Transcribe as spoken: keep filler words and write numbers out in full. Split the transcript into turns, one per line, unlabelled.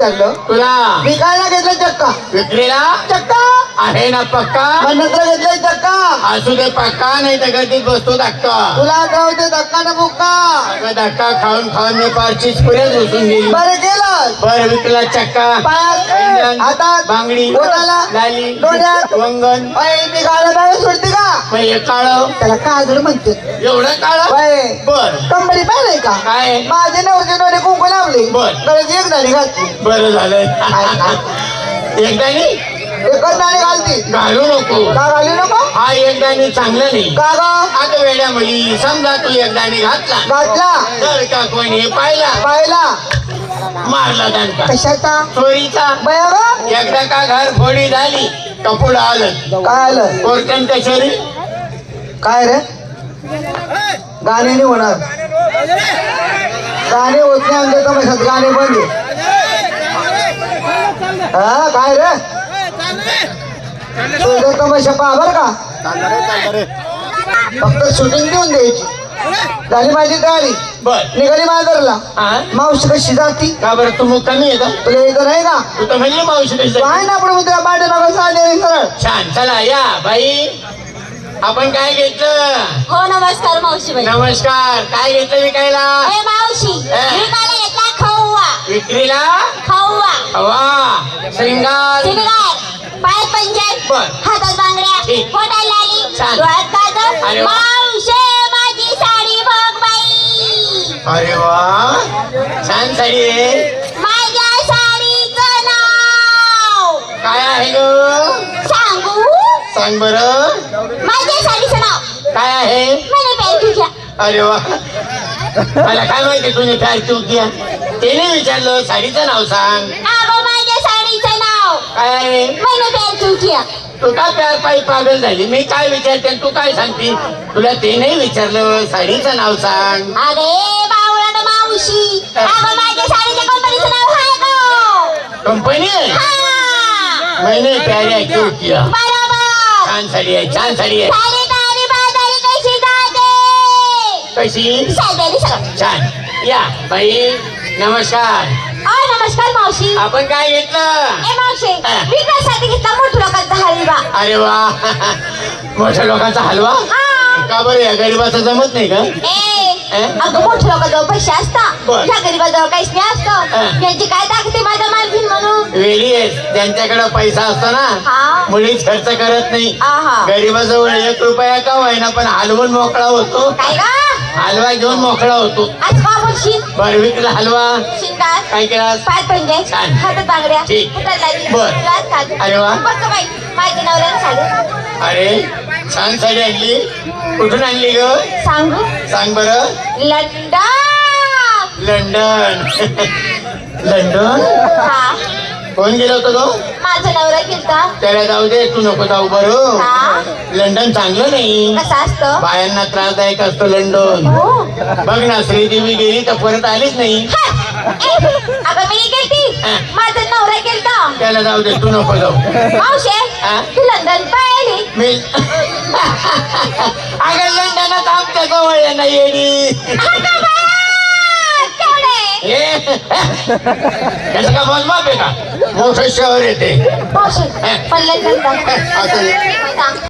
तुला
विकायला घेतलं चक्का.
विक्रीला
चक्का
आहे ना पक्का.
मग नंतर घेतलंय चक्का.
असू दे पक्का, नाही तर गर्दीत बसतो धक्का.
तुला आठवते धक्का ना बुक्का.
अगं धक्का खाऊन खाऊन मी पारचीच पुरेच बसून गेली.
बरं केलं.
बर विकला चक्का.
पायात
पैंजण,
हातात
बांगडी,
बोटाला
लाली,
डोळ्यात
वंगण.
अय, मी गाणं बाहेर सोडते का.
मग हे काळ
त्याला काजळ म्हणते.
एवढं काळ.
बाय
बर
कंबरी पाहिलंय का.
काय
माझे नवरचे डोळे कुंकू लावले.
बर.
गळ्यात एक दाढी घातली.
बरं झालं. एकदा नाही
एकच दाढी घालती.
घालू नको.
का घाली नको.
हा एकदानी चांगलं नाही.
का ग
आता वेड्या मुली समजा तू एकदानी घातला
घातला
तर का कोणी पाहिला
पाहिला
मारला दणका
कशाचा
चोरीचा.
बया ग.
एकदा का घर फोडी झाली कपुड आलं.
काय आलं.
कोर्टन कचेरी.
काय रे गाणे नाही होणार. गाणे होत नाही आमच्या तमाशात. गाणे बंद आहे. हा काय रे तुझं तमाशा पहा बर का. फक्त शूटिंग देऊन द्यायची. झाली माझी तयारी.
बर
निघाली माजरला.
हा
मावशी कशी जाती.
का बरं तू मग कमी आहे का.
तुला इथं नाही का.
तू तर म्हणली मावशी कशी.
काय ना आपण तुला पाठी नका सांगेल सरळ.
छान चला या बाई. आपण काय घेतलं.
हो नमस्कार मावशी बाई.
नमस्कार. काय घेतलं विकायला.
ए मावशी विकायला घेतला खवा.
विक्रीला
खवा
हवा श्रृंगार
शिंगार पायात पंजन
बर.
हातात बांगड्या
ठीक.
पोटाला लाली
छान.
डोळ्यात काजळ.
अरे वा.
मावशे माझी साडी बघ बाई.
अरे वा छान साडी आहे.
माझ्या साडीचं नाव
काय आहे ग.
सांगू.
सांग बरं.
माझ्या साडीचं नाव
काय आहे.
मैंने पहन तुझ्या.
अरे वा मला काय माहिती तुझी काय चूक घ्या. त्याने विचारलं साडीचं नाव सांग.
अगं माझ्या साडीचं नाव
काय आहे.
मैंने पहन तुझ्या.
तू का प्यार पायी पागल झाली. मी काय विचारते आणि तू काय सांगते. तुला ते नाही विचारलं साडीचं नाव सांग.
अरे बावळट मावशी अगं माझ्या साडीच्या कंपनीचं नाव आहे का.
कंपनी आहे.
हा
मैंने प्यारे क्यों किया.
बरोबर.
छान साडी आहे. छान साडी आहे.
साडी गाडी बाजारी कशी जाते.
कशी.
साडी सगळं.
छान या बाई. नमस्कार.
अ नमस्कार मावशी.
आपण काय घेतलं.
ए मावशी
हा.
विकासाठी घेतला मोठ्या लोकांचा हलवा.
अरे वा मोठ्या लोकांचा हलवा.
हा
का बरं या गरीबाचं जमत नाही का.
ए
हा?
अगं मोठ्या लोकांजवळ पैसे असतात.
बर.
त्या गरीबाजवळ काहीच नाही
हा.
असतं. त्यांची काय दाखते माझा मालकीन म्हणून.
वेळी आहे ज्यांच्याकडे पैसा असतो ना
हा.
मुळीच खर्च करत नाही.
आहा.
गरीबाजवळ एक रुपया का होईना पण हलवून मोकळा होतो.
काय का
हलवा घेऊन मोकळा होतो.
आज का बोलशील.
बर विकला हलवा.
शिंगार
काय केला.
पायात पंजन
छान.
हातात बांगड्या
ठीक.
पोटाला लाली
बर.
डोळ्यात काजळ.
अरे वा.
बघ गं बाई माझ्या नवऱ्याने साडी.
अरे छान साडी आणली. कुठून आणली ग.
सांगू
सांग बरं.
लंडन.
लंडन. लंडन.
हा
कोण गेला होता तो.
माझा नवरा गेलता.
त्याला जाऊ दे तू नको जाऊ बरं.
हा
लंडन चांगलं नाही.
कसं असतं.
बायांना त्रासदायक असतो लंडन.
हो.
बघ ना श्रीदेवी गेली तर परत आलीच नाही.
हा. ए, अगं मी गेलती.
हा.
माझा नवरा गेलता.
त्याला जाऊ दे तू नको जाऊ.
मावशे
हा?
तू लंडन पाहिली.
मी अगं लंडनात आमच्या जवळ नाही येडी. हे त्याचं का मोजमाप आहे का. मोठं शहर येते.
मावशी पण लंडन
असं